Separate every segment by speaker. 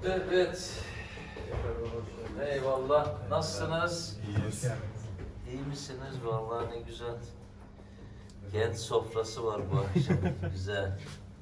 Speaker 1: Evet. Eyvallah. Nasılsınız?
Speaker 2: İyiyiz.
Speaker 1: İyi misiniz? Vallahi ne güzel. Genç sofrası var bu akşam. Güzel.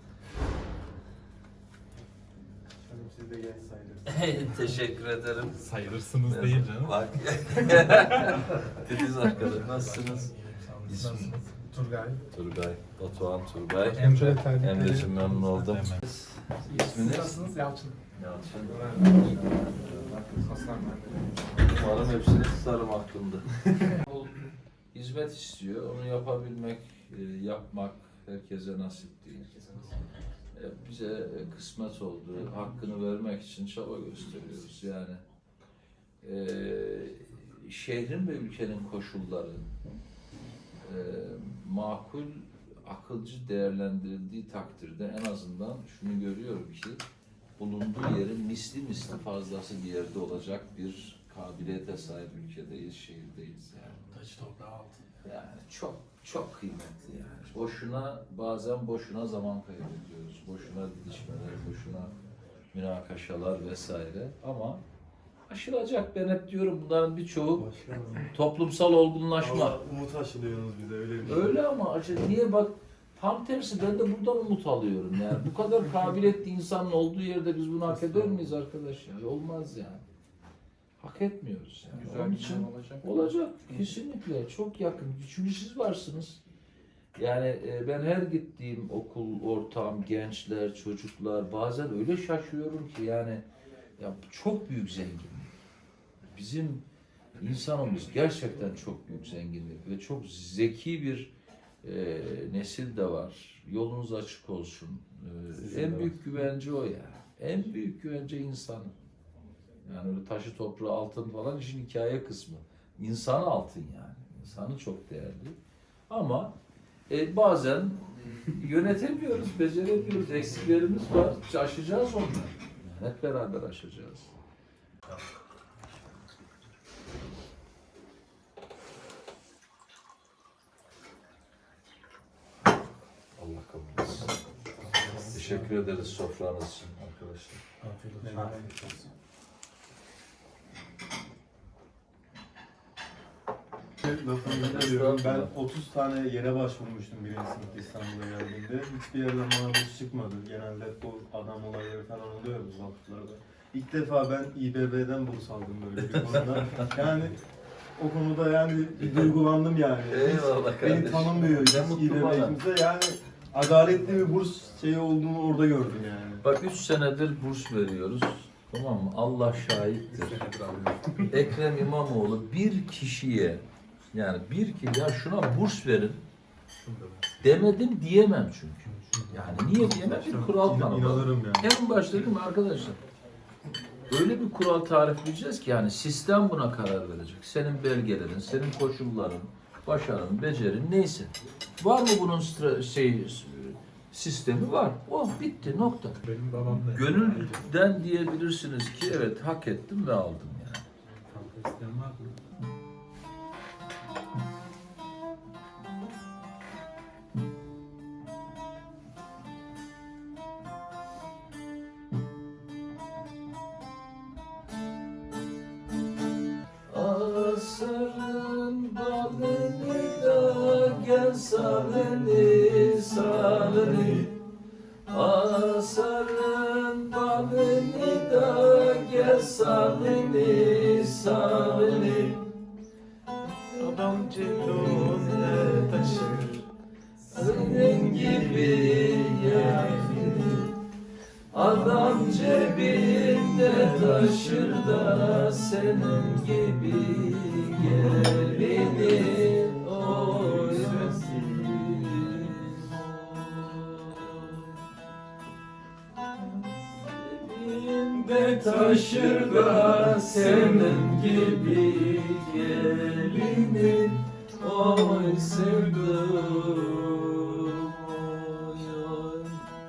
Speaker 2: Siz de genç sayılırsınız.
Speaker 1: Teşekkür ederim.
Speaker 3: Sayılırsınız değil canım.
Speaker 1: Bak. Titiz arkadaş. Nasılsınız? İsmim
Speaker 2: Turgay.
Speaker 1: Turgay. Batuhan Turgay.
Speaker 2: Emre.
Speaker 1: Emre'cim memnun oldum. İsminiz?
Speaker 2: Nasılsınız? Yalçın.
Speaker 1: Yalçın.
Speaker 2: Hasan
Speaker 1: Umarım hepsini tutarım aklımda. Hizmet istiyor. Onu yapabilmek, yapmak herkese nasip değil. Bize kısmet oldu. Hakkını vermek için çaba gösteriyoruz. Yani şehrin ve ülkenin koşulları makul, akılcı değerlendirildiği takdirde en azından şunu görüyorum ki bulunduğu yerin misli fazlası bir yerde olacak bir kabiliyete sahip ülkedeyiz, şehirdeyiz yani.
Speaker 2: Taş toprağı altı.
Speaker 1: Yani çok kıymetli yani. Bazen boşuna zaman kaybediyoruz. Boşuna didişmeler, boşuna münakaşalar vesaire. Ama aşılacak, ben hep diyorum bunların birçoğu toplumsal olgunlaşma.
Speaker 2: Umut aşılıyorsunuz bize öyle bir şey.
Speaker 1: Öyle ama niye bak, tam tersi, ben de buradan umut alıyorum yani. Bu kadar kabiliyetli insanın olduğu yerde biz bunu hak eder miyiz arkadaş ya? Olmaz yani. Hak etmiyoruz yani.
Speaker 2: Güzel
Speaker 1: Onun
Speaker 2: bir
Speaker 1: için
Speaker 2: şey
Speaker 1: olacak kesinlikle, çok yakın. Çünkü siz varsınız. Yani ben her gittiğim okul, ortam, gençler, çocuklar, bazen öyle şaşıyorum ki yani ya çok büyük zenginlik. Bizim insanımız gerçekten çok büyük zenginlik ve çok zeki bir nesil de var. Yolunuz açık olsun. En büyük güvence o ya. En büyük güvence insan. Yani öyle taşı toprağı altın falan işin hikaye kısmı. İnsanı altın yani. İnsanı çok değerli. Ama bazen yönetemiyoruz, beceremiyoruz. Eksiklerimiz var. Aşacağız onları. Yani hep beraber aşacağız. Allah kabul etsin. Teşekkür ederiz sofranız için arkadaşlar.
Speaker 2: Afiyet olsun. Lafını biliyorum. Ben 30 tane yere başvurmuştum birinci sınıfta İstanbul'a geldiğimde. Hiçbir yerden bana burs çıkmadı. Genelde bu adam olayları falan oluyor bu vakıflarda. İlk defa ben İBB'den burs aldım böyle bir konuda. Yani o konuda yani bir duygulandım yani.
Speaker 1: Eyvallah kardeşim.
Speaker 2: Beni tanımıyor hiç
Speaker 1: Ne mutlu bana.
Speaker 2: İBB'mize. Yani adaletli bir burs şeyi olduğunu orada gördüm yani.
Speaker 1: Bak 3 senedir burs veriyoruz. Tamam mı? Allah şahittir. Ekrem İmamoğlu bir kişiye, yani ya şuna burs verin demedim diyemem çünkü. Yani niye diyemem? Bir kural tanımladım.
Speaker 2: İnanırım yani.
Speaker 1: En başta dedim arkadaşlar, öyle bir kural tarifleyeceğiz ki yani sistem buna karar verecek. Senin belgelerin, senin koşulların, başarın, becerin neyse. Var mı bunun sistemi var. Oh bitti, nokta.
Speaker 3: Benim babam da.
Speaker 1: Gönülden diyebilirsiniz ki evet hak ettim ve aldım yani.
Speaker 3: Kanka isteyen var mı?
Speaker 1: Asırın balını da gel salını. Asırın balını da gel salını.
Speaker 3: Adam cebinde taşır.
Speaker 1: Senin gibi yani. Adam cebinde taşır da senin gibi gelini oyasın. Cebinde taşır da senin gibi gelini oy sevdim.